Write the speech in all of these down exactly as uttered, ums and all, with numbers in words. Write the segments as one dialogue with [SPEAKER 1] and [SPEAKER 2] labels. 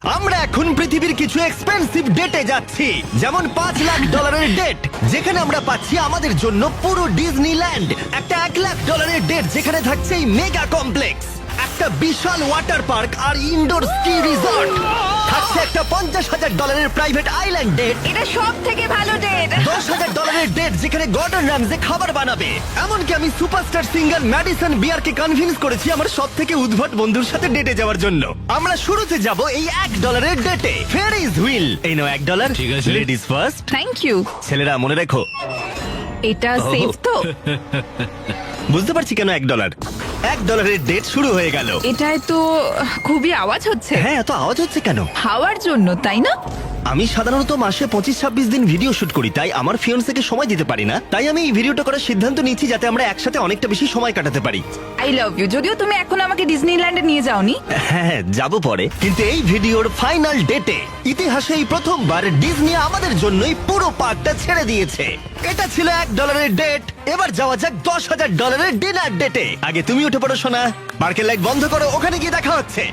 [SPEAKER 1] আমরা এখন পৃথিবীর কিছু এক্সপেন্সিভ ডেটে যাচ্ছি, যেমন পাঁচ লাখ ডলারের ডেট যেখানে আমরা পাচ্ছি আমাদের জন্য পুরো ডিজনিল্যান্ড, একটা এক লাখ ডলারের ডেট যেখানে থাকছে এই মেগা কমপ্লেক্স, একটা বিশাল ওয়াটার পার্ক আর ইনডোর স্কি রিসর্ট, থাকছে একটা পঞ্চাশ হাজার ডলারের প্রাইভেট আইল্যান্ড ডেট,
[SPEAKER 2] এটা সব থেকে ভালো ডেট।
[SPEAKER 1] দশ হাজার ডলারের ডেট যেখানে গর্ডন র্যামজে খাবার বানাবে। এমনকি আমি সুপারস্টার সিঙ্গার ম্যাডিসন বিয়ারকে কনভিন্স করেছি আমার সব থেকে উদ্ভট বন্ধুর সাথে ডেটে যাওয়ার জন্য। আমরা শুরুতে যাব এই এক ডলারের ডেটে, ফেয়ারিজ হুইল। এই নাও এক ডলার,
[SPEAKER 3] ঠিক আছে।
[SPEAKER 1] Ladies first.
[SPEAKER 2] Thank you.
[SPEAKER 1] ছেলেরা মনে রেখো,
[SPEAKER 2] এটা সেফ তো?
[SPEAKER 1] বুঝতে পারছি কেন এক ডলার। এক ডলারের ডেট শুরু হয়ে গেল।
[SPEAKER 2] এটায় তো খুবই আওয়াজ হচ্ছে।
[SPEAKER 1] হ্যাঁ, এত আওয়াজ হচ্ছে কেন?
[SPEAKER 2] হাওয়ার জন্য, তাই না?
[SPEAKER 1] আমি সাধারণত মাসে পঁচিশ ছাব্বিশ দিন ভিডিও শুট করি, তাই আমার ফিয়ন্সকে সময় দিতে পারি না। তাই আমি এই ভিডিওটা করার সিদ্ধান্ত নিয়েছি যাতে আমরা একসাথে অনেকটা বেশি সময় কাটাতে পারি।
[SPEAKER 2] I love you. যদিও তুমি এখন আমাকে ডিজনিল্যান্ডে নিয়ে যাওনি।
[SPEAKER 1] হ্যাঁ, যাব পরে। কিন্তু এই ভিডিওর ফাইনাল ডেটে ইতিহাসে এই প্রথমবার ডিজনি আমাদের জন্যই পুরো পার্কটা ছেড়ে দিয়েছে। এটা ছিল এক ডলারের ডেট। এবার যাওয়া যাক দশ হাজার ডলারের ডিনার ডেটে। আগে তুমি উঠে পড়ো সোনা, পার্কের লাইট বন্ধ করো, ওখানে গিয়ে দেখা হচ্ছে।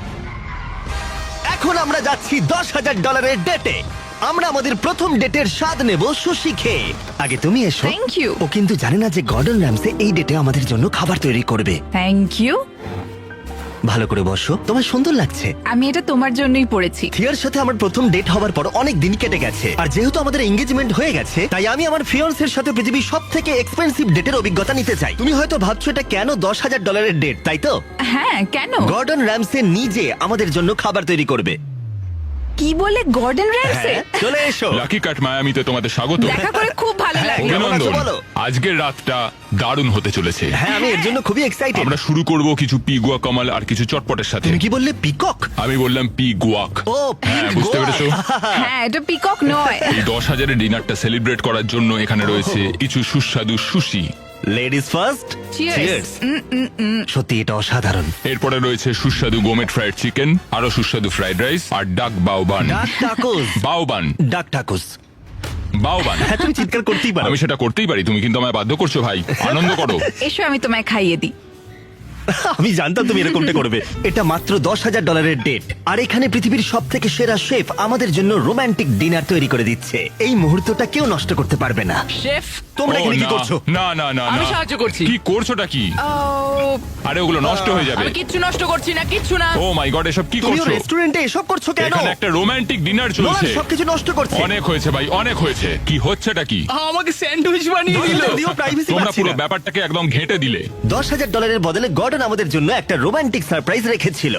[SPEAKER 1] এখন আমরা যাচ্ছি দশ হাজার ডলারের ডেটে। আমরা আমাদের প্রথম ডেটের স্বাদ নেব সুশি খেয়ে। আগে তুমি এসো।
[SPEAKER 2] Thank you.
[SPEAKER 1] ও কিন্তু জানে না যে গর্ডন র্যামসে এই ডেটে আমাদের জন্য খাবার তৈরি করবে।
[SPEAKER 2] Thank you.
[SPEAKER 1] ভালো করে বসো, তোমার সুন্দর লাগছে।
[SPEAKER 2] আমি এটা তোমার জন্যই পড়েছি।
[SPEAKER 1] থিয়ার সাথে আমার প্রথম ডেট হওয়ার পর অনেক দিন কেটে গেছে, আর যেহেতু আমাদের এঙ্গেজমেন্ট হয়ে গেছে তাই আমি আমার ফিয়ন্সের সাথে পৃথিবীর সব থেকে এক্সপেন্সিভ ডেটের অভিজ্ঞতা নিতে চাই। তুমি হয়তো ভাবছো এটা কেন দশ হাজার ডলারের ডেট, তাই তো?
[SPEAKER 2] হ্যাঁ, কেন?
[SPEAKER 1] গর্ডন র্যামসে নিজে আমাদের জন্য খাবার তৈরি করবে।
[SPEAKER 2] কি বলে গর্ডন র্যামসে?
[SPEAKER 1] হ্যাঁ, চলে এসো।
[SPEAKER 4] লাকি কাট মায়ামিতে তোমাদের স্বাগত।
[SPEAKER 2] দেখা করে খুব ভালো
[SPEAKER 1] হ্যাঁ,
[SPEAKER 2] লাগলো।
[SPEAKER 1] কেমন আছো
[SPEAKER 4] অভিনন্দন।
[SPEAKER 1] বলো?
[SPEAKER 4] আজকের রাতটা দারুণ হতে চলেছে।
[SPEAKER 1] হ্যাঁ, আমি এর জন্য খুবই এক্সাইটেড।
[SPEAKER 4] আমরা শুরু করব কিছু পিগুয়া কামাল আর কিছু চটপটের সাথে।
[SPEAKER 1] তুমি কি বললে, পিকক?
[SPEAKER 4] আমি বললাম পি গুয়াক।
[SPEAKER 1] ও,
[SPEAKER 4] হ্যাঁ,
[SPEAKER 1] পিক
[SPEAKER 4] বুঝতে
[SPEAKER 1] গোয়া।
[SPEAKER 4] পেরেছো?
[SPEAKER 2] হ্যাঁ, এটা পিকক নয়।
[SPEAKER 4] এই দশ হাজারের ডিনারটা সেলিব্রেট করার জন্য এখানে রয়েছে কিছু সুস্বাদু সুশি।
[SPEAKER 1] Ladies first.
[SPEAKER 2] Cheers.
[SPEAKER 1] সত্যি এটা অসাধারণ।
[SPEAKER 4] এরপরে রয়েছে সুস্বাদু গোমেট ফ্রাইড চিকেন, আরো সুস্বাদু ফ্রাইড রাইস আর ডাক বাউবান।
[SPEAKER 1] ডাক টাকুস।
[SPEAKER 4] বাউবান
[SPEAKER 1] ডাক টাকুস।
[SPEAKER 4] বাউবান।
[SPEAKER 1] হ্যাঁ, তুমি চিৎকার করতেই পারো।
[SPEAKER 4] আমি সেটা করতেই পারি, তুমি কিন্তু আমায় বাধ্য করছো ভাই। আনন্দ করো।
[SPEAKER 2] এসো আমি তোমায় খাইয়ে দিই।
[SPEAKER 1] আমি জানতাম তুমি এরকমটা করবে। এটা মাত্র দশ হাজার ডলারের ডেট, আর এখানে পৃথিবীর সব থেকে সেরা শেফ আমাদের জন্য রোমান্টিক ডিনার তৈরি করে দিচ্ছে। এই মুহূর্তটা কেউ নষ্ট করতে পারবে না।
[SPEAKER 5] শেফ,
[SPEAKER 1] তোমরা
[SPEAKER 4] ও,
[SPEAKER 1] এখানে কি
[SPEAKER 4] না,
[SPEAKER 1] করছো?
[SPEAKER 4] না না না
[SPEAKER 5] আমি
[SPEAKER 4] না।
[SPEAKER 5] সাহায্য করছি।
[SPEAKER 4] কি করছোটা কি?
[SPEAKER 2] ও,
[SPEAKER 4] আরে ওগুলো নষ্ট হয়ে যাবে।
[SPEAKER 5] আমি কিচ্ছু নষ্ট করছি না, কিচ্ছু না।
[SPEAKER 4] ও মাই গড, এসব কি
[SPEAKER 1] তুমি
[SPEAKER 4] করছো?
[SPEAKER 1] রেস্টুরেন্টে এসব করছো কেন?
[SPEAKER 4] এখানে একটা রোমান্টিক ডিনার
[SPEAKER 1] নোলান
[SPEAKER 4] চলছে।
[SPEAKER 1] সবকিছু নষ্ট করছে।
[SPEAKER 4] অনেক হয়েছে ভাই, অনেক হয়েছে। কি হচ্ছেটা কি?
[SPEAKER 5] আমাকে স্যান্ডউইচ বানিয়ে দিল।
[SPEAKER 1] দিও, প্রাইভেসি
[SPEAKER 4] তোমরা
[SPEAKER 1] পাচ্ছি
[SPEAKER 4] পুরো
[SPEAKER 1] না।
[SPEAKER 4] ব্যাপারটাকে একদম ঘেঁটে দিলে।
[SPEAKER 1] দশ হাজার ডলারের বদলে গর্ডন আমাদের জন্য একটা রোমান্টিক সারপ্রাইজ রেখেছিল।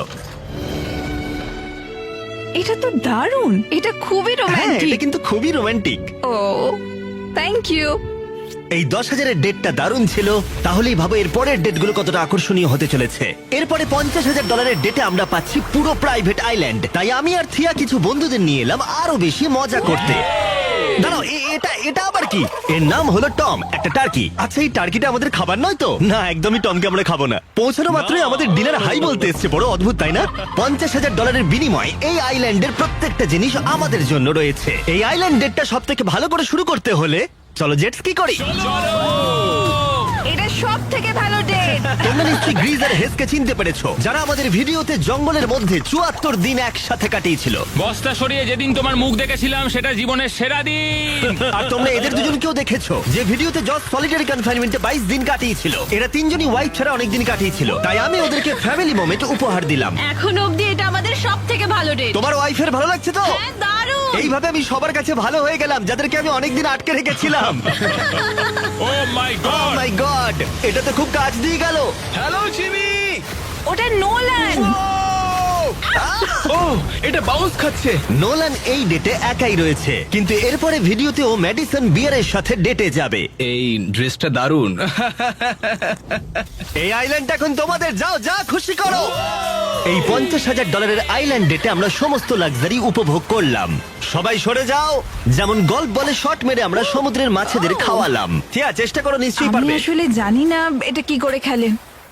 [SPEAKER 2] এটা তো দারুণ। এটা খুবই
[SPEAKER 1] হ্যাঁ, এটা
[SPEAKER 2] রোমান্টিক।
[SPEAKER 1] কিন্তু খুবই রোমান্টিক।
[SPEAKER 2] O, thank you.
[SPEAKER 1] এই দশ হাজারের ডেটটা দারুণ ছিল। তাহলেই ভাবো এর পরের ডেটগুলো কতটা আকর্ষণীয় হতে চলেছে। এরপরে পঞ্চাশ হাজার ডলারের ডেটে আমরা পাচ্ছি পুরো প্রাইভেট আইল্যান্ড। তাই আমি আর থিয়া কিছু বন্ধুদের নিয়ে এলাম আরো বেশি মজা করতে। দাঁড়াও, এ- এটা এটা আবার কি? এর নাম হলো টম, একটা টার্কি। আচ্ছা, এই টার্কিটা আমাদের খাবার নয় তো? না, একদমই টমকে আমরা খাবো না। পৌঁছানো মাত্রই আমাদের ডিনার হাই বলতে এসছে। বড় অদ্ভুত, তাই না? পঞ্চাশ হাজার ডলারের বিনিময়ে এই আইল্যান্ডের প্রত্যেকটা জিনিস আমাদের জন্য রয়েছে। এই আইল্যান্ড ডেটটা সব থেকে ভালো করে শুরু করতে হলে চলো জেটস কি করি।
[SPEAKER 2] এটা সব থেকে ভালো ডেট।
[SPEAKER 1] তোমরা নিশ্চয়ই গ্রিজ আর হেসকে চিনতে পেরেছো, যারা আমাদের ভিডিওতে জঙ্গলের মধ্যে চুয়াত্তর দিন একসাথে কাটিয়েছিল।
[SPEAKER 3] বস্তা সরিয়ে যেদিন তোমার মুখ দেখেছিলাম সেটা জীবনের সেরা দিন।
[SPEAKER 1] আর তোমরা এদের দুজনকেও দেখেছো যে ভিডিওতে জজ সলিটারি কনফাইনমেন্টে বাইশ দিন কাটিয়েছিল। এরা তিনজনই ওয়াইফ ছাড়া অনেক দিন কাটিয়েছিল, তাই আমি ওদেরকে ফ্যামিলি মোমেন্ট উপহার দিলাম।
[SPEAKER 2] এখন অবধি এটা আমাদের সব থেকে ভালো ডেট।
[SPEAKER 1] তোমার ওয়াইফের ভালো লাগছে তো?
[SPEAKER 2] হ্যাঁ, দারুণ।
[SPEAKER 1] এইভাবে আমি সবার কাছে ভালো হয়ে গেলাম যাদেরকে আমি অনেকদিন আটকে রেখেছিলাম।
[SPEAKER 4] ও মাই
[SPEAKER 1] ও
[SPEAKER 4] গড।
[SPEAKER 1] মাই গড, এটা তো খুব কাজ দিয়ে গেল।
[SPEAKER 5] Hello Jimmy.
[SPEAKER 2] ওটা নোলান।
[SPEAKER 5] ও, এটা বাউন্স খাচ্ছে।
[SPEAKER 1] নোলান এই ডেটে একাই রয়েছে, কিন্তু এরপরে ভিডিওতে ও ম্যাডিসন বিয়ারের সাথে ডেটে যাবে।
[SPEAKER 5] এই ড্রেসটা দারুণ।
[SPEAKER 1] এই আইল্যান্ড এখন তোমাদের, যাও যা খুশি করো। এই পঞ্চাশ হাজার ডলারের আইল্যান্ড ডেটে আমরা সমস্ত লাক্সারি উপভোগ করলাম। সবাই সরে যাও। যেমন গল্ফ বলে শট মেরে আমরা সমুদ্রের মাছেদের খাওয়ালাম। ঠিক আছে, চেষ্টা করো, নিশ্চয়ই
[SPEAKER 2] আমি
[SPEAKER 1] পারবে।
[SPEAKER 2] আসলে জানি না এটা কি করে খেলে।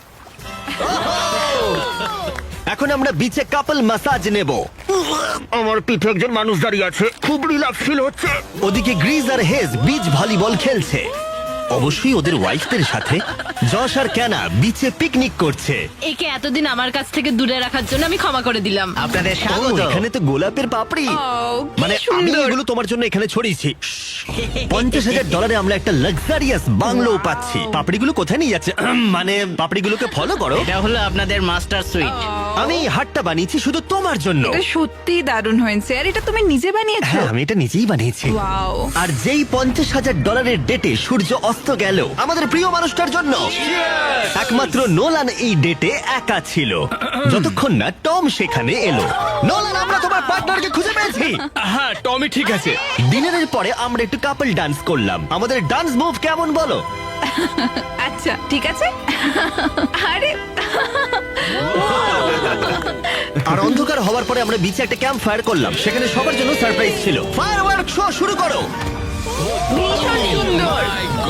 [SPEAKER 1] এখন আমরা বিচে কাপল ম্যাসাজ নেব। আমার পিঠে একজন মানুষ দাঁড়িয়ে আছে, খুব রিল্যাক্স ফিল হচ্ছে। ওদিকে গ্রিজ আর হেজ বিচ ভলিবল খেলছে। অবশ্যই ওদের ওয়াইফদের সাথে। যশ আর ক্যানা বিচে পিকনিক করছে।
[SPEAKER 6] একে এতদিন আমার কাছ থেকে দূরে রাখার জন্য আমি ক্ষমা করে দিলাম।
[SPEAKER 7] আপনাদের
[SPEAKER 1] ও,
[SPEAKER 7] স্বাগত।
[SPEAKER 1] এখানে তো গোলাপের পাপড়ি।
[SPEAKER 2] ও, কি
[SPEAKER 1] মানে আমি
[SPEAKER 2] সুন্দর।
[SPEAKER 1] এগুলো তোমার জন্য এখানে ছড়িয়েছি। পঞ্চাশ হাজার ডলারে আমরা একটা লাক্সারিয়াস বাংলো পাচ্ছি। পাপড়িগুলো কোথায় নিয়ে যাচ্ছে? আহম, মানে পাপড়িগুলোকে ফলো করো।
[SPEAKER 7] এটা হলো আপনাদের মাস্টার সুইট।
[SPEAKER 1] আমি এই হাটটা বানিয়েছি শুধু তোমার জন্য।
[SPEAKER 2] এটা সত্যি দারুণ হয়েছে। আর এটা তুমি নিজে বানিয়েছো?
[SPEAKER 1] হ্যাঁ, আমি এটা নিজেই বানিয়েছি।
[SPEAKER 2] ওয়াও।
[SPEAKER 1] আর যেই পঞ্চাশ হাজার ডলারের ডেটে সূর্য অস্ত গেল আমাদের প্রিয় মানুষটার জন্য, একমাত্র নোলান এই ডেটে একা ছিল, যতক্ষণ না টম সেখানে এলো। নোলান, আমরা তোমার পার্টনারকে খুঁজে পেয়েছি।
[SPEAKER 5] হ্যাঁ টমি ঠিক আছে।
[SPEAKER 1] ডিনারের পরে আমরা একটু কাপল ডান্স করলাম। আমাদের ডান্স মুভ কেমন বলো?
[SPEAKER 2] আচ্ছা ঠিক আছে। আরে
[SPEAKER 1] আর অন্ধকার হওয়ার পরে আমরা বিচে একটা ক্যাম্প ফায়ার করলাম। সেখানে সবার জন্য সারপ্রাইজ ছিল। ফায়ারওয়ার্ক শো শুরু করো।
[SPEAKER 2] ভীষণ সুন্দর।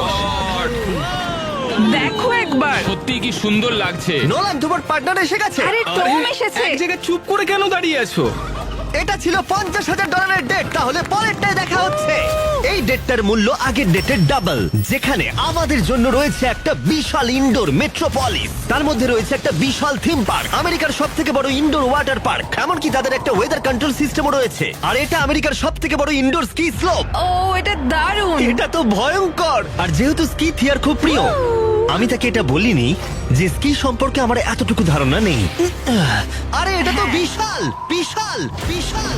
[SPEAKER 2] দেখো একবার।
[SPEAKER 3] সত্যি কি সুন্দর লাগছে।
[SPEAKER 1] নোলান, তোমার পার্টনার এসে গেছে।
[SPEAKER 2] আরে টম এসেছে।
[SPEAKER 5] এক জায়গায় চুপ করে কেন দাঁড়িয়ে আছো?
[SPEAKER 1] এটা ছিল পঞ্চাশ হাজার ডলারের ডেট। তাহলে পরেরটায় দেখা হচ্ছে। এই ডেটটার মূল্য আগের ডেটের ডাবল, যেখানে আমাদের জন্য রয়েছে একটা বিশাল ইনডোর মেট্রোপলিস। তার মধ্যে রয়েছে একটা বিশাল থিম পার্ক, আমেরিকার সব থেকে বড় ইনডোর ওয়াটার পার্ক। এমনকি তাদের একটা ওয়েদার কন্ট্রোল সিস্টেমও রয়েছে। আর এটা আমেরিকার সব থেকে বড় ইনডোর স্কি স্লোপ।
[SPEAKER 2] ও, এটা দারুণ।
[SPEAKER 1] এটা তো ভয়ঙ্কর। আর যেহেতু স্কি থিয়ার খুব প্রিয়, আমি তাকে এটা বলিনি যে স্কি সম্পর্কে আমার এতটুকু ধারণা নেই। আরে এটা তো বিশাল বিশাল বিশাল।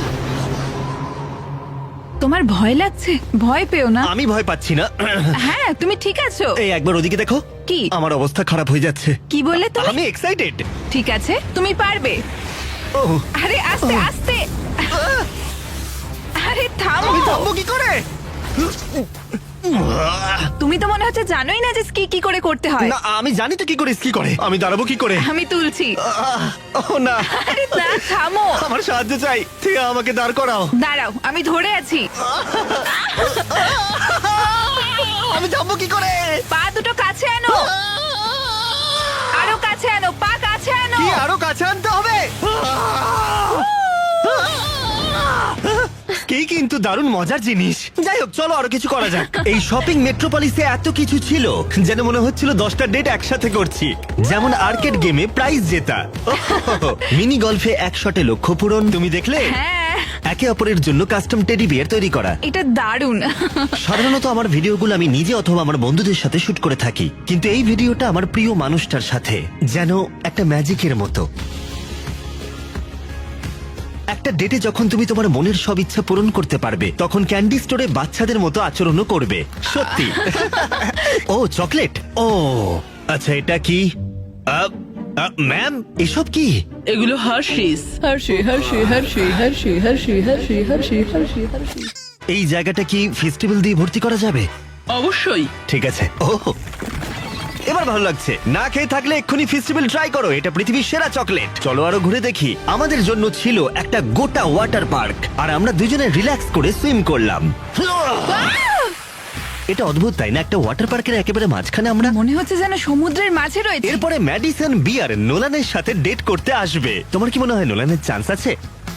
[SPEAKER 2] তোমার ভয় লাগছে? ভয় পেও না।
[SPEAKER 1] আমি ভয় পাচ্ছি না।
[SPEAKER 2] হ্যাঁ, তুমি ঠিক আছো।
[SPEAKER 1] এই একবার ওদিকে দেখো।
[SPEAKER 2] কি?
[SPEAKER 1] আমার অবস্থা খারাপ হয়ে যাচ্ছে।
[SPEAKER 2] কি বললে তুমি?
[SPEAKER 1] আমি এক্সাইটেড।
[SPEAKER 2] ঠিক আছে, তুমি পারবে।
[SPEAKER 1] ও,
[SPEAKER 2] আরে আস্তে আস্তে। আরে থামো।
[SPEAKER 1] আমি থামবো কি করে?
[SPEAKER 2] তুমি তো মনে হচ্ছে জানোই না যে স্কি কি করে করতে হয়।
[SPEAKER 1] না, আমি জানি তো কি করে স্কি করে। আমি দাঁড়াবো কি করে?
[SPEAKER 2] আমি তুলছি।
[SPEAKER 1] আহ, ও না,
[SPEAKER 2] আরে না, থামো।
[SPEAKER 1] আমার সাহায্য চাই। ঠিক আমাকে দাঁড় করাও।
[SPEAKER 2] দাঁড়াও, আমি ধরে আছি।
[SPEAKER 1] আমি থামবো কি করে?
[SPEAKER 2] পা দুটো কাছে আনো। আরো কাছে আনো, পা কাছে আনো।
[SPEAKER 1] কি আরো কাছে আনতে হবে? কি কিন্তু দারুণ মজার জিনিস। যাই হোক, চলো আরো কিছু করা যাক। এই শপিং মেট্রোপলিসে এত কিছু ছিল যেন মনে হচ্ছিল দশটা ডেট একসাথে করছি। যেমন আর্কেড গেমে প্রাইজ জেতা, মিনি গলফে এক শটে লক্ষ্য পূরণ। তুমি দেখলে?
[SPEAKER 2] হ্যাঁ,
[SPEAKER 1] একে অপরের জন্য কাস্টম টেডি বিয়ার তৈরি করা।
[SPEAKER 2] এটা দারুণ।
[SPEAKER 1] সাধারণত আমার ভিডিওগুলো আমি নিজে অথবা আমার বন্ধুদের সাথে শুট করে থাকি, কিন্তু এই ভিডিওটা আমার প্রিয় মানুষটার সাথে, যেন একটা ম্যাজিকের মতো। একটা ডেটে যখন তুমি তোমার মনের সব ইচ্ছা পূরণ করতে পারবে, তখন ক্যান্ডি স্টোরে বাচ্চাদের মতো আচরণও করবে। সত্যি। ও, চকলেট। ও আচ্ছা, এটা কি? ম্যাম, এসব কি?
[SPEAKER 8] এগুলো Hershey's Hershey Hershey Hershey Hershey Hershey Hershey Hershey Hershey Hershey
[SPEAKER 1] এই জায়গাটা কি ফেস্টিভ্যাল দিয়ে ভর্তি করা যাবে?
[SPEAKER 8] অবশ্যই।
[SPEAKER 1] ঠিক আছে। ও, এবার ভালো লাগছে। না খেয়ে থাকলে এক্ষুনি ফেস্টিভ্যাল ট্রাই করো। এটা পৃথিবীর সেরা চকলেট। চলো আরো ঘুরে দেখি। আমাদের জন্য ছিল একটা গোটা ওয়াটার পার্ক, আর আমরা দুজনে রিল্যাক্স করে সুইম করলাম। এটা অদ্ভুত, তাই না? একটা ওয়াটার পার্কের একেবারে মাঝখানে আমরা।
[SPEAKER 2] মনে হচ্ছে যেন সমুদ্রের মাঝে রয়েছে।
[SPEAKER 1] এরপরে ম্যাডিসন বিয়ার নোলানের সাথে ডেট করতে আসবে। তোমার কি মনে হয় নোলানের চান্স আছে?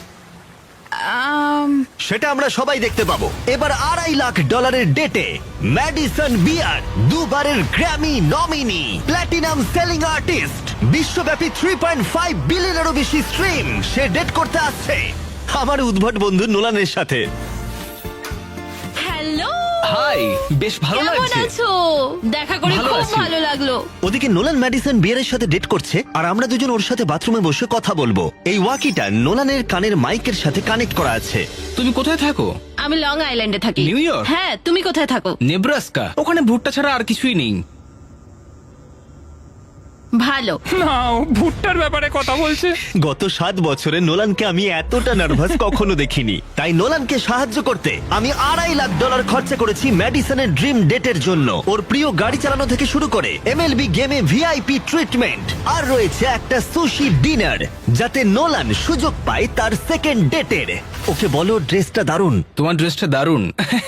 [SPEAKER 2] আম,
[SPEAKER 1] সেটা আমরা সবাই দেখতে পাবো। এবার আড়াই লাখ ডলারের ডেটে ম্যাডিসন বিয়ার, দুবারের Grammy nominee, platinum selling artist, বিশ্বব্যাপী থ্রি পয়েন্ট ফাইভ বিলিয়নেরও বেশি স্ট্রিম, সে ডেট করতে আসছে আমার উদ্ভট বন্ধু নোলানের সাথে।
[SPEAKER 6] হ্যালো,
[SPEAKER 5] হাই, বেশ ভালো
[SPEAKER 6] কেমন
[SPEAKER 5] লাগছে।
[SPEAKER 6] আছো? দেখা করে
[SPEAKER 5] ভালো
[SPEAKER 6] খুব
[SPEAKER 5] আছি।
[SPEAKER 6] ভালো লাগলো।
[SPEAKER 1] ওদিকে নোলান ম্যাডিসন বিয়ারের সাথে ডেট করছে, আর আমরা দুজন ওর সাথে বাথরুমে বসে কথা বলবো। এই ওয়াকিটা নোলানের কানের মাইকের সাথে কানেক্ট করা আছে।
[SPEAKER 5] তুমি কোথায় থাকো?
[SPEAKER 6] আমি লং আইল্যান্ডে থাকি।
[SPEAKER 5] New York?
[SPEAKER 6] হ্যাঁ, তুমি কোথায় থাকো?
[SPEAKER 5] নেব্রাস্কা। ওখানে ভুট্টা ছাড়া আর কিছুই নেই।
[SPEAKER 6] ভালো।
[SPEAKER 3] না, ও ভুট্টার ব্যাপারে কথা বলছে।
[SPEAKER 1] গত সাত বছরে নোলানকে আমি এতটা নার্ভাস কখনো দেখিনি। তাই নোলানকে সাহায্য করতে আমি আড়াই লাখ ডলার খরচা করেছি ম্যাডিসনের ড্রিম ডেটের জন্য। ওর প্রিয় গাড়ি চালানো থেকে শুরু করে এমএলবি গেমে ভিআইপি ট্রিটমেন্ট, আর রয়েছে একটা সুশি ডিনার, যাতে নোলান সুযোগ পায় তার সেকেন্ড ডেটের। ওকে বলো ড্রেসটা দারুণ।
[SPEAKER 5] তোমার ড্রেসটা দারুণ।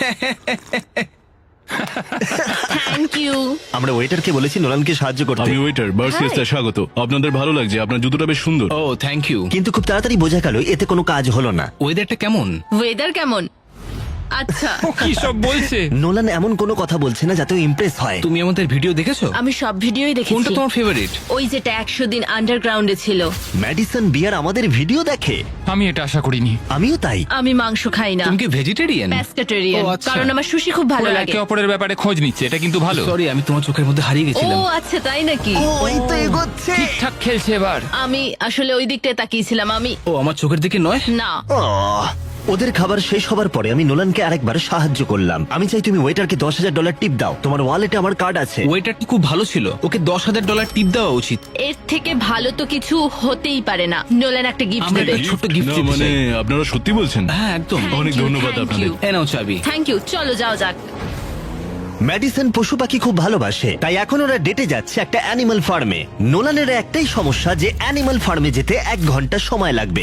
[SPEAKER 6] Thank you.
[SPEAKER 1] আমরা ওয়েটারকে বলেছি নোলানকে সাহায্য করতে,
[SPEAKER 9] আমি ওয়েটার বার্সিয়াসটা স্বাগত। আপনাদের ভালো লাগছে, আপনার জুতোটা বেশ সুন্দর।
[SPEAKER 5] Oh thank you.
[SPEAKER 1] কিন্তু খুব তাড়াতাড়ি বোঝা গেল এতে কোনো কাজ হলো না।
[SPEAKER 5] ওয়েদারটা কেমন?
[SPEAKER 6] ওয়েদার কেমন? আচ্ছা
[SPEAKER 3] ও কি সব বলছে?
[SPEAKER 1] নোলান এমন কোনো কথা বলছে না যাতে ইমপ্রেস হয়।
[SPEAKER 5] তুমি আমাদের ভিডিও দেখেছো?
[SPEAKER 6] আমি সব ভিডিওই
[SPEAKER 5] কোনটা
[SPEAKER 6] দেখেছি।
[SPEAKER 5] তোমার ফেভারিট?
[SPEAKER 6] ওই যেটা একশো দিন আন্ডারগ্রাউন্ডে ছিল।
[SPEAKER 1] ম্যাডিসন বিয়ার আমাদের ভিডিও দেখে।
[SPEAKER 3] আমি এটা আশা করিনি।
[SPEAKER 1] আমিও তাই।
[SPEAKER 6] আমি মাংস খাই না,
[SPEAKER 5] তুমি কি ভেজিটেরিয়ান?
[SPEAKER 6] প্যাস্কেটেরিয়ান,
[SPEAKER 5] ও, আচ্ছা।
[SPEAKER 6] কারণ আমার সুশি খুব ভালো
[SPEAKER 3] ওরা
[SPEAKER 6] লাগে।
[SPEAKER 3] একে অপরের ব্যাপারে খোঁজ নিচ্ছে, এটা কিন্তু ভালো।
[SPEAKER 5] সরি, আমি তোমার চোখের মধ্যে হারিয়ে
[SPEAKER 6] ও
[SPEAKER 5] গেছিলাম।
[SPEAKER 6] আচ্ছা, তাই নাকি?
[SPEAKER 1] ও এই তো এগোচ্ছে।
[SPEAKER 3] ঠিকঠাক খেলছে এবার।
[SPEAKER 6] আমি আসলে ওই দিকটায় তাকিয়েছিলাম। আমি
[SPEAKER 5] ও আমার চোখের দিকে নয়।
[SPEAKER 6] না,
[SPEAKER 1] আহ, ওদের খাবার শেষ হবার পরে আমি নোলানকে আরেকবার সাহায্য করলাম। আমি চাই তুমি ওয়েটারকে দশ হাজার ডলার টিপ দাও। তোমার ওয়ালেটে আমার কার্ড আছে।
[SPEAKER 5] ওয়েটারটি খুব ভালো ছিল, ওকে দশ হাজার ডলার টিপ দেওয়া উচিত।
[SPEAKER 6] এর থেকে ভালো তো কিছু হতেই পারে না। নোলান একটা গিফট
[SPEAKER 5] আমরা
[SPEAKER 6] দেবে।
[SPEAKER 5] একটা ছোট্ট গিফট
[SPEAKER 9] না,
[SPEAKER 5] দিতে
[SPEAKER 9] মানে
[SPEAKER 5] চাই।
[SPEAKER 9] আপনারা সত্যি বলছেন?
[SPEAKER 5] হ্যাঁ একদম।
[SPEAKER 9] অনেক ধন্যবাদ আপনাদের।
[SPEAKER 5] এ নাও চাবি।
[SPEAKER 6] Thank you. চলো যাও যাক।
[SPEAKER 1] ম্যাডিসন পশু পাখি খুব ভালোবাসে, তাই এখন ওরা ডেটে যাচ্ছে একটা অ্যানিমাল ফার্মে। নোলানের একটাই সমস্যা যে অ্যানিমাল ফার্মে যেতে এক ঘন্টা সময় লাগবে।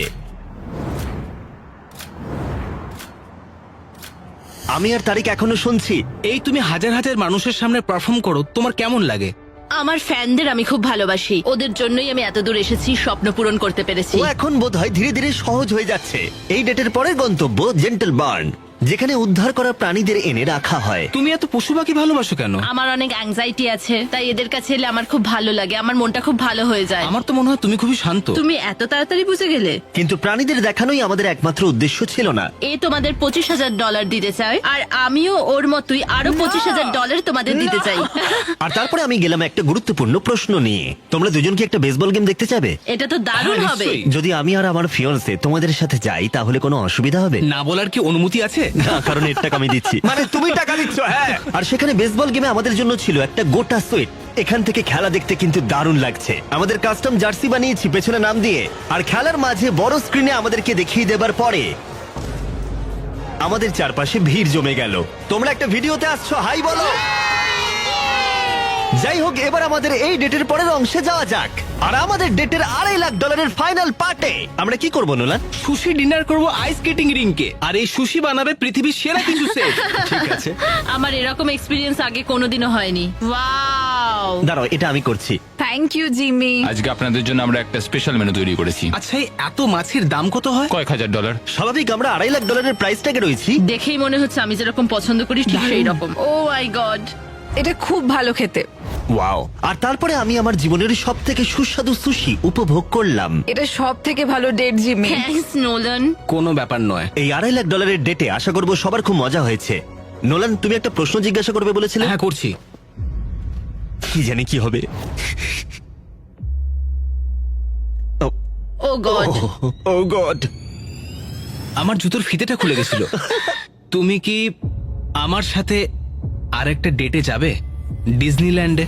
[SPEAKER 1] আমি আর তারিক এখনো শুনছি।
[SPEAKER 5] এই তুমি হাজার হাজার মানুষের সামনে পারফর্ম করো, তোমার কেমন লাগে?
[SPEAKER 6] আমার ফ্যানদের আমি খুব ভালোবাসি, ওদের জন্যই আমি এত দূর এসেছি, স্বপ্ন পূরণ করতে পেরেছি।
[SPEAKER 1] ও এখন বোধ হয় ধীরে ধীরে সহজ হয়ে যাচ্ছে। এই ডেটের পরের গন্তব্য জেন্টল বার্ন, যেখানে উদ্ধার করা প্রাণীদের এনে রাখা হয়।
[SPEAKER 5] তুমি এত পশু পাখি ভালোবাসো কেন?
[SPEAKER 6] আমার অনেক অ্যাংজাইটি আছে, তাই এদের কাছে এলে আমার খুব ভালো লাগে, আমার মনটা খুব ভালো হয়ে যায়।
[SPEAKER 5] আমার তো মনে হয় তুমি খুবই শান্ত।
[SPEAKER 6] তুমি এত তাড়াতাড়ি বুঝে গেলে?
[SPEAKER 1] কিন্তু প্রাণীদের দেখানোই আমাদের একমাত্র উদ্দেশ্য ছিল না।
[SPEAKER 6] এ তোমাদের পঁচিশ হাজার ডলার দিতে চাই, আর আমিও ওর মতোই আরো পঁচিশ হাজার ডলার তোমাদের দিতে চাই।
[SPEAKER 1] আর তারপরে আমি গেলাম একটা গুরুত্বপূর্ণ প্রশ্ন নিয়ে। তোমরা দুজন কি একটা বেসবল গেম দেখতে চাবে?
[SPEAKER 6] এটা তো দারুণ
[SPEAKER 5] হ্যাঁ,
[SPEAKER 6] হবে।
[SPEAKER 5] নিশ্চয়ই।
[SPEAKER 1] যদি আমি আর আমার ফিয়ন্সে তোমাদের সাথে যাই তাহলে কোনো অসুবিধা হবে?
[SPEAKER 5] না বলার কি অনুমতি আছে?
[SPEAKER 1] না, কারণ এর টাকা আমি দিচ্ছি। মানে তুমি টাকা দিচ্ছ? হ্যাঁ। আর সেখানে বেসবল গেমে আমাদের জন্য ছিল একটা গোটা সুইট। এখান থেকে খেলা দেখতে কিন্তু দারুণ লাগছে। আমাদের কাস্টম জার্সি বানিয়েছি পেছনে নাম দিয়ে, আর খেলার মাঝে বড় স্ক্রিনে আমাদেরকে দেখিয়ে দেবার পরে আমাদের চারপাশে ভিড় জমে গেল। তোমরা একটা ভিডিওতে আসছো, হাই বলো। যাই হোক, এবার আমাদের এই ডেটের পরের অংশে যাওয়া যাক। আর আমাদের ডেটের আড়াই লাখ ডলারের ফাইনাল পার্টে আমরা কি করবো নোলান?
[SPEAKER 5] সুশি ডিনার করব আইস স্কেটিং রিংকে, আর এই সুশি বানাবে পৃথিবীর সেরা কিছু সেট।
[SPEAKER 1] ঠিক আছে,
[SPEAKER 6] আমার এরকম এক্সপিরিয়েন্স আগে কোনোদিনও হয়নি। ওয়াও!
[SPEAKER 1] দাঁড়াও, এটা আমি করছি।
[SPEAKER 2] Thank you Jimmy.
[SPEAKER 3] আজকে আপনাদের জন্য আমরা একটা স্পেশাল মেনু তৈরি করেছি।
[SPEAKER 5] আচ্ছা, এই এত মাছের দাম কত হয়?
[SPEAKER 3] কয়েক হাজার ডলার।
[SPEAKER 1] স্বাভাবিক, আমরা আড়াই লাখ ডলারের প্রাইস ট্যাগে রয়েছি।
[SPEAKER 6] দেখেই মনে হচ্ছে আমি যেরকম পছন্দ করি ঠিক সেই রকম। Oh my God!
[SPEAKER 2] এটা খুব ভালো খেতে।
[SPEAKER 1] ওয়াও! আর তারপরে আমি আমার জীবনের সব থেকে সুস্বাদু সুশি উপভোগ করলাম।
[SPEAKER 2] এটা সব থেকে ভালো ডেট জিমি।
[SPEAKER 6] Thanks Nolan.
[SPEAKER 5] কোনো ব্যাপার নয়।
[SPEAKER 1] এই আড়াই লাখ ডলারের ডেটে আশা করবো সবার খুব মজা হয়েছে। নোলান, তুমি একটা প্রশ্ন জিজ্ঞাসা করবে বলেছিলে?
[SPEAKER 5] হ্যাঁ করছি।
[SPEAKER 1] কি জানি কি হবে।
[SPEAKER 6] Oh God!
[SPEAKER 1] Oh God!
[SPEAKER 5] আমার জুতোর ফিতেটা খুলে গেছিল। তুমি কি আমার সাথে আরেকটা ডেটে যাবে ডিজনিল্যান্ডে?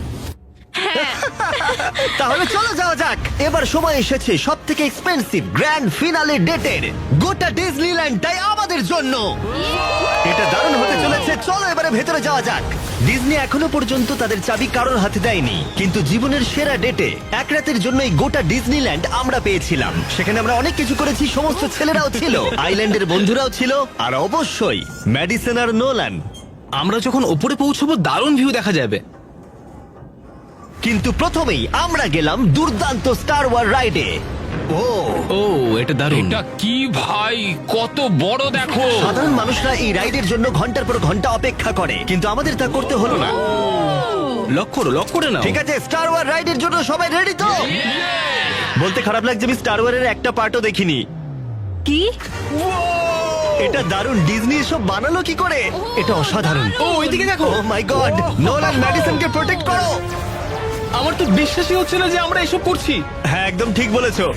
[SPEAKER 1] তাহলে চলো যাওয়া যাক। এবার সময় এসেছে সব থেকে এক্সপেন্সিভ গ্র্যান্ড ফিনালে ডেটের। গোটা ডিজনিল্যান্ডটাই আমাদের জন্য। এটা দারুণ হতে চলেছে। চলো এবারে ভেতরে যাওয়া যাক। ডিজনি এখনো পর্যন্ত তাদের চাবি কারোর হাতে দেয়নি, কিন্তু জীবনের সেরা ডেটে এক রাতের জন্য এই গোটা ডিজনিল্যান্ড আমরা পেয়েছিলাম। সেখানে আমরা অনেক কিছু করেছি, সমস্ত ছেলেরাও ছিল, আইল্যান্ডের বন্ধুরাও ছিল, আর অবশ্যই ম্যাডিসন আর নোলান।
[SPEAKER 5] আমরা যখন ওপরে পৌঁছবো দারুণ ভিউ দেখা যাবে।
[SPEAKER 1] কিন্তু প্রথমেই আমরা গেলাম দুর্দান্ত স্টার ওয়ার রাইডে। ও
[SPEAKER 5] ও এটা দারুণ।
[SPEAKER 3] এটা কি ভাই, কত বড় দেখো!
[SPEAKER 1] সাধারণ মানুষরা এই রাইডের জন্য ঘন্টার পর ঘন্টা অপেক্ষা করে, কিন্তু আমাদের তা করতে হলো না।
[SPEAKER 5] লক করো, লক করে নাও।
[SPEAKER 1] ঠিক আছে, স্টার ওয়ার রাইডের জন্য সবাই রেডি তো? বলতে খারাপ লাগছে, আমি স্টার ওয়ারের একটা পার্টও দেখিনি।
[SPEAKER 2] কি?
[SPEAKER 1] এটা দারুণ। ডিজনি এসব বানালো কি করে? এটা অসাধারণ।
[SPEAKER 5] ও ওইদিকে দেখো।
[SPEAKER 1] Oh my God! নোলান, ম্যাডিসনকে প্রোটেক্ট করো।
[SPEAKER 5] আমার তো বিশ্বাসই হচ্ছে না যে আমরা এসব করছি।
[SPEAKER 1] হ্যাঁ, একদম ঠিক বলেছো।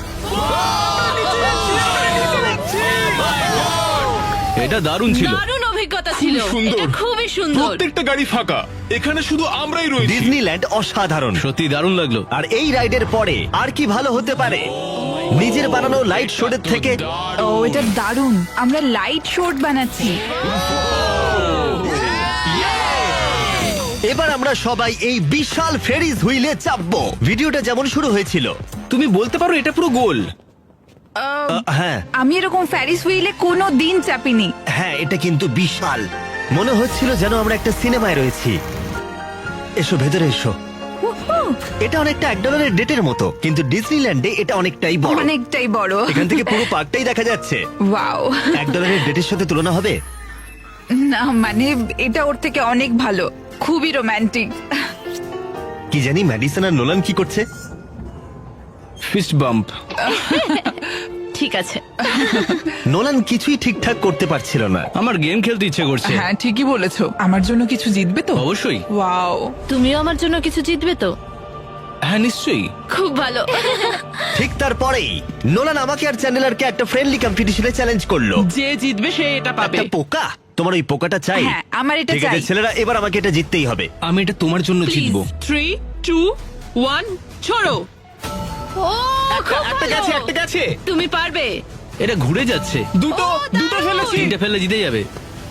[SPEAKER 9] এটা দারুণ ছিল।
[SPEAKER 6] দারুণ অভিজ্ঞতা ছিল।
[SPEAKER 9] সুন্দর।
[SPEAKER 6] এটা খুবই সুন্দর।
[SPEAKER 9] প্রত্যেকটা গাড়ি ফাঁকা, এখানে শুধু আমরাই রয়েছি।
[SPEAKER 1] ডিজনিল্যান্ড অসাধারণ।
[SPEAKER 9] সত্যি দারুণ লাগলো।
[SPEAKER 1] আর এই রাইডের পরে আর কি ভালো হতে পারে নিজের বানানো লাইট শোডের থেকে?
[SPEAKER 2] ও এটা দারুণ। আমরা লাইট শোট বানাচ্ছি।
[SPEAKER 1] এবার আমরা সবাই এই বিশাল ফেরিস হুইলে চাপবো। ভিডিওটা যেমন শুরু হয়েছিল।
[SPEAKER 5] তুমি বলতে পারো এটা পুরো গোল।
[SPEAKER 1] আহ, হ্যাঁ
[SPEAKER 2] আমি এরকম ফ্যারিস হুইলে কোনো দিন চাপিনি।
[SPEAKER 1] হ্যাঁ, এটা কিন্তু বিশাল। মনে হচ্ছিল যেন আমরা একটা সিনেমায় রয়েছি। এসো ভেতরে এসো। এটা অনেকটা এক ডলারের ডেটের মতো, কিন্তু ডিজনিল্যান্ডে এটা অনেকটাই বড়।
[SPEAKER 2] অনেকটাই বড়।
[SPEAKER 1] এখান থেকে পুরো পার্কটাই দেখা যাচ্ছে।
[SPEAKER 2] ওয়াও!
[SPEAKER 1] এক ডলারের ডেটের সাথে তুলনা হবে?
[SPEAKER 2] না মানে এটা ওর থেকে অনেক ভালো, খুবই রোমান্টিক।
[SPEAKER 1] কি জানি ম্যাডিসন আর নোলান কি করছে।
[SPEAKER 5] Fist bump.
[SPEAKER 6] ঠিক আছে।
[SPEAKER 1] নোলান কিছুই ঠিকঠাক করতে পারছিল না।
[SPEAKER 5] আমার গেম খেলতে ইচ্ছে করছে।
[SPEAKER 2] হ্যাঁ ঠিকই বলেছো, আমার জন্য কিছু জিতবে তো?
[SPEAKER 5] অবশ্যই।
[SPEAKER 2] ওয়াও,
[SPEAKER 6] তুমিও আমার জন্য কিছু জিতবে তো?
[SPEAKER 5] হ্যাঁ নিশ্চয়ই।
[SPEAKER 6] খুব ভালো।
[SPEAKER 1] ঠিক তারপরেই নোলান আমাকে আর চ্যানেলারকে একটা ফ্রেন্ডলি কম্পিটিশনে চ্যালেঞ্জ করলো।
[SPEAKER 8] যে জিতবে সে এটা পাবে।
[SPEAKER 1] একটা পোকা? তোমার ওই পোকাটা চাই?
[SPEAKER 2] হ্যাঁ, আমার এটা
[SPEAKER 1] ঠিক আছে
[SPEAKER 2] চাই।
[SPEAKER 1] ছেলেরা, এবার আমাকে এটা জিততেই হবে।
[SPEAKER 5] আমি এটা তোমার জন্য জিতবো।
[SPEAKER 8] থ্রি টু ওয়ান ছড়ো।
[SPEAKER 6] ও খুব
[SPEAKER 5] একটা
[SPEAKER 6] ভালো।
[SPEAKER 5] গেছে, একটা গেছে।
[SPEAKER 6] তুমি পারবে।
[SPEAKER 5] এটা ঘুরে যাচ্ছে।
[SPEAKER 6] দুটো দুটো ফেলেছি।
[SPEAKER 5] তিনটা ফেললে জিতে যাবে।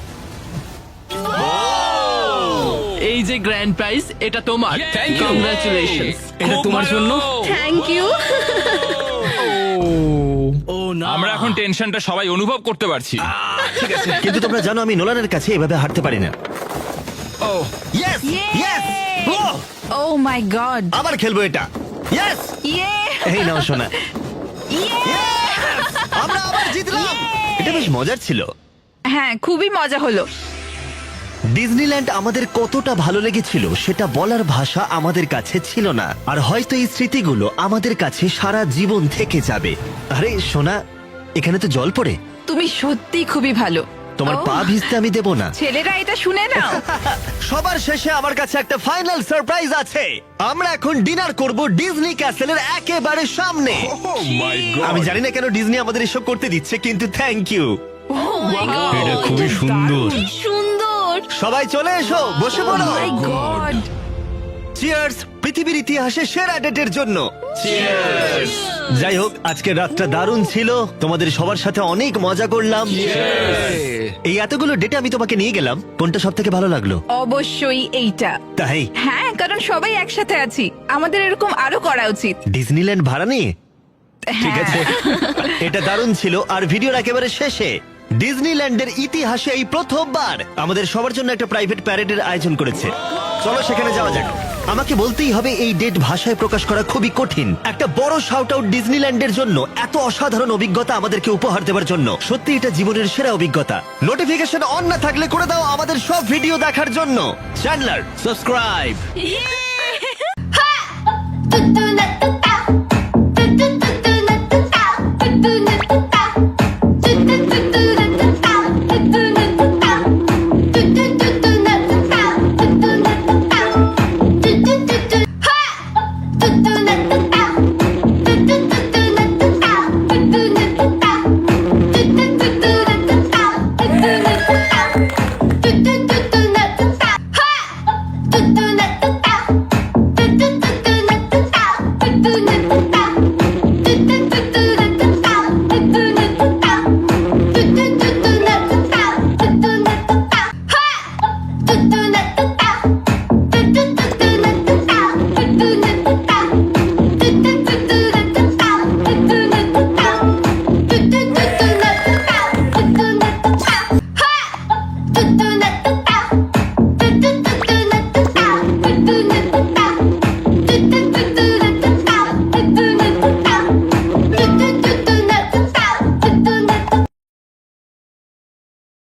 [SPEAKER 8] এই যে গ্র্যান্ড প্রাইজ, এটা তোমার।
[SPEAKER 3] Thank you.
[SPEAKER 8] কংগ্রাচুলেশনস।
[SPEAKER 5] এটা
[SPEAKER 3] খুব
[SPEAKER 5] তোমার
[SPEAKER 3] ভালো।
[SPEAKER 5] জন্য।
[SPEAKER 6] Thank you.
[SPEAKER 5] ও না,
[SPEAKER 3] আমরা এখন টেনশনটা সবাই অনুভব করতে পারছি।
[SPEAKER 1] ঠিক আছে, কিন্তু তোমরা জানো আমি নোলানের কাছে এভাবে হারতে পারি না।
[SPEAKER 3] Oh
[SPEAKER 1] yes yes,
[SPEAKER 2] oh my God.
[SPEAKER 1] আবার খেলবো এটা। ইয়েস,
[SPEAKER 2] ইয়ে
[SPEAKER 1] এই নাও শোনা। Yes! আমরা আবার জিতলাম। এটা বেশ মজার ছিল।
[SPEAKER 2] হ্যাঁ খুবই মজা হলো।
[SPEAKER 1] ডিজনিল্যান্ড আমাদের কতটা ভালো লেগেছিল সেটা বলার ভাষা আমাদের কাছে ছিল না। আর হয়তো এই স্মৃতিগুলো আমাদের কাছে সারা জীবন থেকে যাবে। আরে সোনা, এখানে তো জল পড়ে।
[SPEAKER 2] তুমি সত্যি খুবই ভালো।
[SPEAKER 1] তোমার
[SPEAKER 2] ও,
[SPEAKER 1] পা ভিজতে আমি দেবো না।
[SPEAKER 2] ছেলেরা এটা শুনে নাও।
[SPEAKER 1] সবার শেষে আমার কাছে একটা ফাইনাল সারপ্রাইজ আছে। আমরা এখন ডিনার করব ডিজনি ক্যাসেলের একেবারে সামনে। আমি জানি না কেন ডিজনি আমাদের এসব করতে দিচ্ছে, কিন্তু থ্যাংক ইউ।
[SPEAKER 5] এটা খুবই সুন্দর।
[SPEAKER 6] কি সুন্দর।
[SPEAKER 1] সবাই চলে এসো, বসে পড়ো।
[SPEAKER 2] মাই গড।
[SPEAKER 1] চিয়ার্স পৃথিবীর ইতিহাসে সেরা ডেটের জন্য। যাই হোক, আজকের রাতটা দারুণ ছিল। তোমাদের সবার সাথে অনেক মজা করলাম। এই এতগুলো ডেটে আমি তোমাকে নিয়ে গেলাম, কোনটা সব থেকে ভালো লাগলো?
[SPEAKER 2] অবশ্যই এইটা।
[SPEAKER 1] তাই
[SPEAKER 2] হ্যাঁ, কারণ সবাই একসাথে আছি, আমাদের এরকম আরো করা উচিত।
[SPEAKER 1] ডিজনিল্যান্ড ভাড়া নিয়ে? ঠিক
[SPEAKER 2] হ্যাঁ।
[SPEAKER 1] আছে, এটা দারুণ ছিল। আর ভিডিওর একেবারে শেষে ডিজনিল্যান্ডের ইতিহাসে এই প্রথমবার আমাদের সবার জন্য একটা প্রাইভেট প্যারেডের আয়োজন করেছে। চলো সেখানে যাওয়া যাক। আমাকে বলতেই হবে এই ডেট ভাষায় প্রকাশ করা খুবই কঠিন। একটা বড় শাউট আউট ডিজনিল্যান্ডের জন্য, এত অসাধারণ অভিজ্ঞতা আমাদেরকে উপহার দেওয়ার জন্য। সত্যি এটা জীবনের সেরা অভিজ্ঞতা। নোটিফিকেশন অন না থাকলে করে দাও আমাদের সব ভিডিও দেখার জন্য। চ্যানেলার
[SPEAKER 5] সাবস্ক্রাইব।
[SPEAKER 6] তুতুনা